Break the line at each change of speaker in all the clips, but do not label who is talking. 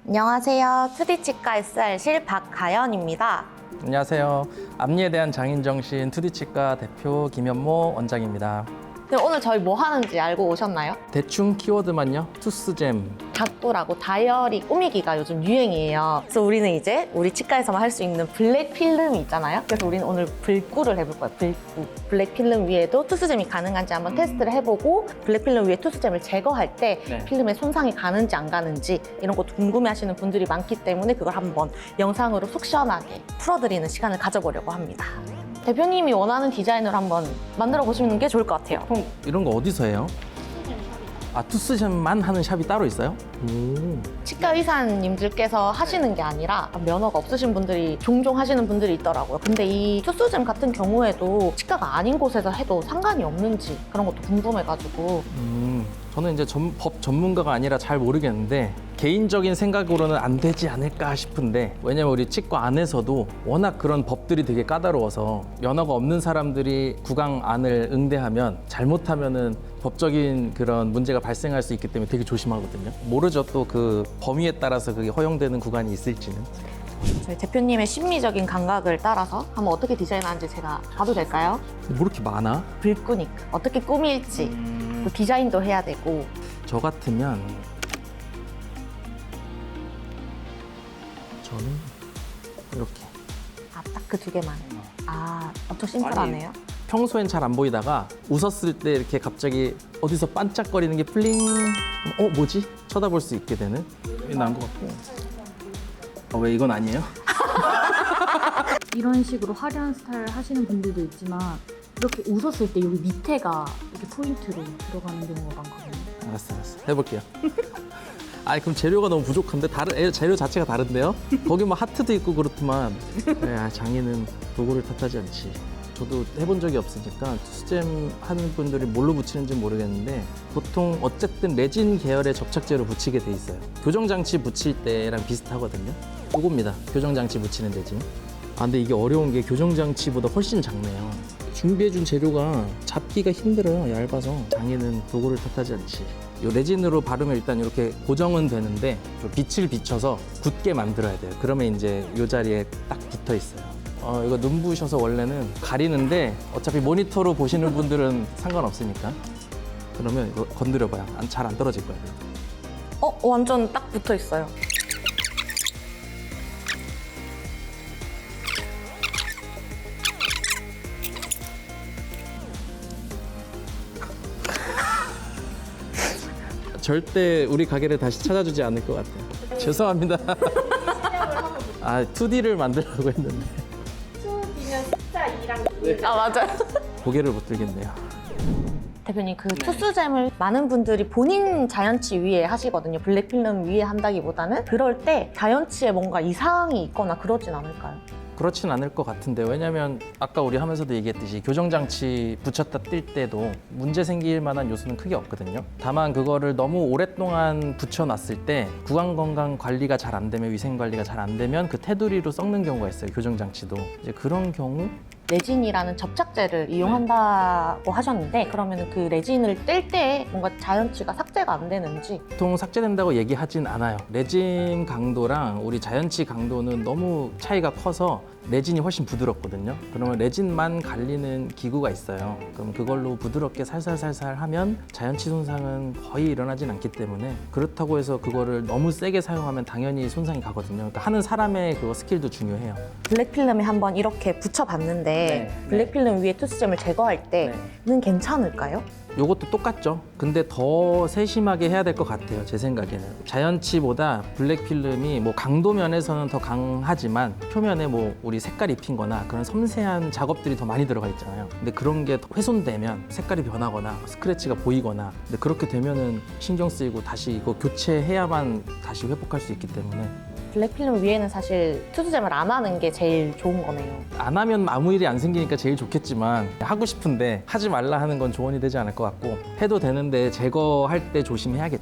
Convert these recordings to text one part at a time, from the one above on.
안녕하세요. 2D 치과 SR실 박가연입니다.
안녕하세요. 앞니에 대한 장인정신 2D 치과 대표 김현모 원장입니다.
네, 오늘 저희 뭐 하는지 알고 오셨나요?
대충 키워드만요. 투스잼.
닥도라고 다이어리 꾸미기가 요즘 유행이에요. 그래서 우리는 이제 우리 치과에서만 할 수 있는 블랙 필름이 있잖아요. 그래서 우리는 오늘 불구를 해볼 거예요. 불구. 블랙 필름 위에도 투스잼이 가능한지 한번 테스트를 해보고 블랙 필름 위에 투스잼을 제거할 때
네.
필름에 손상이 가는지 안 가는지 이런 것도 궁금해하시는 분들이 많기 때문에 그걸 한번 영상으로 속 시원하게 풀어드리는 시간을 가져보려고 합니다. 대표님이 원하는 디자인으로 한번 만들어 보시는 게 좋을 것 같아요.
보통 이런 거 어디서 해요? 아, 투스잼만 하는 샵이 따로 있어요? 오.
치과 의사님들께서 하시는 게 아니라 면허가 없으신 분들이 종종 하시는 분들이 있더라고요. 근데 이 투스잼 같은 경우에도 치과가 아닌 곳에서 해도 상관이 없는지 그런 것도 궁금해가지고.
저는 이제 법 전문가가 아니라 잘 모르겠는데 개인적인 생각으로는 안 되지 않을까 싶은데, 왜냐면 우리 치과 안에서도 워낙 그런 법들이 되게 까다로워서 면허가 없는 사람들이 구강안을 응대하면 잘못하면은 법적인 그런 문제가 발생할 수 있기 때문에 되게 조심하거든요. 모르죠, 또 그 범위에 따라서 그게 허용되는 구간이 있을지는.
저희 대표님의 심미적인 감각을 따라서 한번 어떻게 디자인하는지 제가 봐도 될까요?
뭐 이렇게 많아?
불꾸니까 어떻게 꾸밀지 또 디자인도 해야 되고.
저 같으면 저는 이렇게
딱 그 두 개만. 엄청 심플하네요.
평소엔 잘 안 보이다가 웃었을 때 이렇게 갑자기 어디서 반짝거리는 게 플링, 뭐지? 쳐다볼 수 있게 되는. 이건 나은 것 같고. 왜 이건 아니에요?
이런 식으로 화려한 스타일 하시는 분들도 있지만 이렇게 웃었을 때 여기 밑에가 이렇게 포인트로 들어가는 경우가 많거든요.
알았어. 해볼게요. 그럼 재료가 너무 부족한데? 재료 자체가 다른데요? 거기 뭐 하트도 있고 그렇더만. 장인은 도구를 탓하지 않지. 저도 해본 적이 없으니까 투스잼 하는 분들이 뭘로 붙이는지 모르겠는데 보통 어쨌든 레진 계열의 접착제로 붙이게 돼 있어요. 교정장치 붙일 때랑 비슷하거든요. 요겁니다. 교정장치 붙이는 레진. 근데 이게 어려운 게 교정장치보다 훨씬 작네요. 준비해준 재료가 잡기가 힘들어요. 얇아서. 장인은 도구를 탓하지 않지. 요 레진으로 바르면 일단 이렇게 고정은 되는데 좀 빛을 비춰서 굳게 만들어야 돼요. 그러면 이제 이 자리에 딱 붙어 있어요. 이거 눈부셔서 원래는 가리는데 어차피 모니터로 보시는 분들은 상관없으니까. 그러면 이거 건드려봐요. 잘 안 떨어질 거예요.
완전 딱 붙어 있어요.
절대 우리 가게를 다시 찾아주지 않을 것 같아요. 죄송합니다. 2D를 만들려고 했는데.
2D면 숫자 2랑
맞아요.
고개를 못 들겠네요.
대표님, 그 투스잼을 많은 분들이 본인 자연치 위에 하시거든요. 블랙 필름 위에 한다기보다는. 그럴 때 자연치에 뭔가 이상이 있거나 그러진 않을까요?
그렇진 않을 것 같은데, 왜냐면 아까 우리 하면서도 얘기했듯이 교정장치 붙였다 뛸 때도 문제 생길 만한 요소는 크게 없거든요. 다만 그거를 너무 오랫동안 붙여놨을 때 구강건강 관리가 잘 안 되면, 위생 관리가 잘 안 되면 그 테두리로 썩는 경우가 있어요. 교정장치도. 이제 그런 경우
레진이라는 접착제를 이용한다고 하셨는데, 그러면 그 레진을 뗄 때 뭔가 자연치가 삭제가 안 되는지.
보통 삭제된다고 얘기하진 않아요. 레진 강도랑 우리 자연치 강도는 너무 차이가 커서 레진이 훨씬 부드럽거든요. 그러면 레진만 갈리는 기구가 있어요. 그럼 그걸로 부드럽게 살살살살 하면 자연치 손상은 거의 일어나진 않기 때문에, 그렇다고 해서 그거를 너무 세게 사용하면 당연히 손상이 가거든요. 그러니까 하는 사람의 그거 스킬도 중요해요.
블랙 필름에 한번 이렇게 붙여봤는데 블랙 필름 위에 투스잼을 제거할 때는 괜찮을까요?
요것도 똑같죠. 근데 더 세심하게 해야 될 것 같아요. 제 생각에는. 자연치보다 블랙 필름이 뭐 강도 면에서는 더 강하지만 표면에 뭐 우리 색깔 입힌 거나 그런 섬세한 작업들이 더 많이 들어가 있잖아요. 근데 그런 게 훼손되면 색깔이 변하거나 스크래치가 보이거나, 근데 그렇게 되면은 신경 쓰이고 다시 이거 교체해야만 다시 회복할 수 있기 때문에.
블랙 필름 위에는 사실 투스잼을 안 하는 게 제일 좋은 거네요.
안 하면 아무 일이 안 생기니까 제일 좋겠지만, 하고 싶은데 하지 말라 하는 건 조언이 되지 않을 것 같고, 해도 되는데 제거할 때 조심해야겠죠.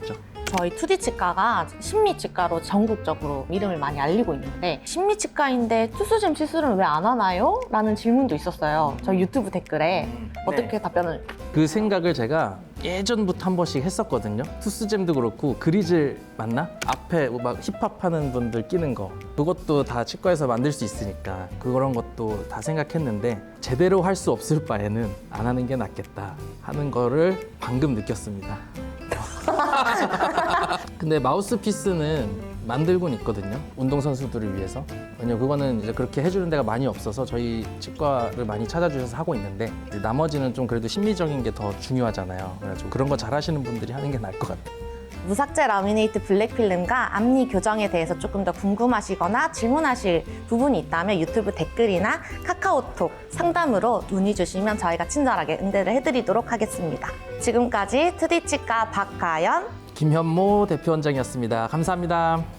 저희 2D 치과가 심미치과로 전국적으로 이름을 많이 알리고 있는데 심미치과인데 투수잼 시술은 왜 안 하나요? 라는 질문도 있었어요. 저희 유튜브 댓글에 어떻게 답변을
그 생각을 제가 예전부터 한 번씩 했었거든요. 투스잼도 그렇고 그리즐 맞나? 앞에 막 힙합하는 분들 끼는 거 그것도 다 치과에서 만들 수 있으니까 그런 것도 다 생각했는데 제대로 할 수 없을 바에는 안 하는 게 낫겠다 하는 거를 방금 느꼈습니다. 근데 마우스피스는 만들고는 있거든요. 운동선수들을 위해서. 왜냐면 그거는 이제 그렇게 해주는 데가 많이 없어서 저희 치과를 많이 찾아주셔서 하고 있는데 이제 나머지는 좀 그래도 심리적인 게 더 중요하잖아요. 그래가지고 그런 거 잘하시는 분들이 하는 게 나을 것 같아요.
무삭제 라미네이트 블랙필름과 앞니 교정에 대해서 조금 더 궁금하시거나 질문하실 부분이 있다면 유튜브 댓글이나 카카오톡 상담으로 문의 주시면 저희가 친절하게 응대를 해드리도록 하겠습니다. 지금까지 2D 치과 박가연
김현모 대표원장이었습니다. 감사합니다.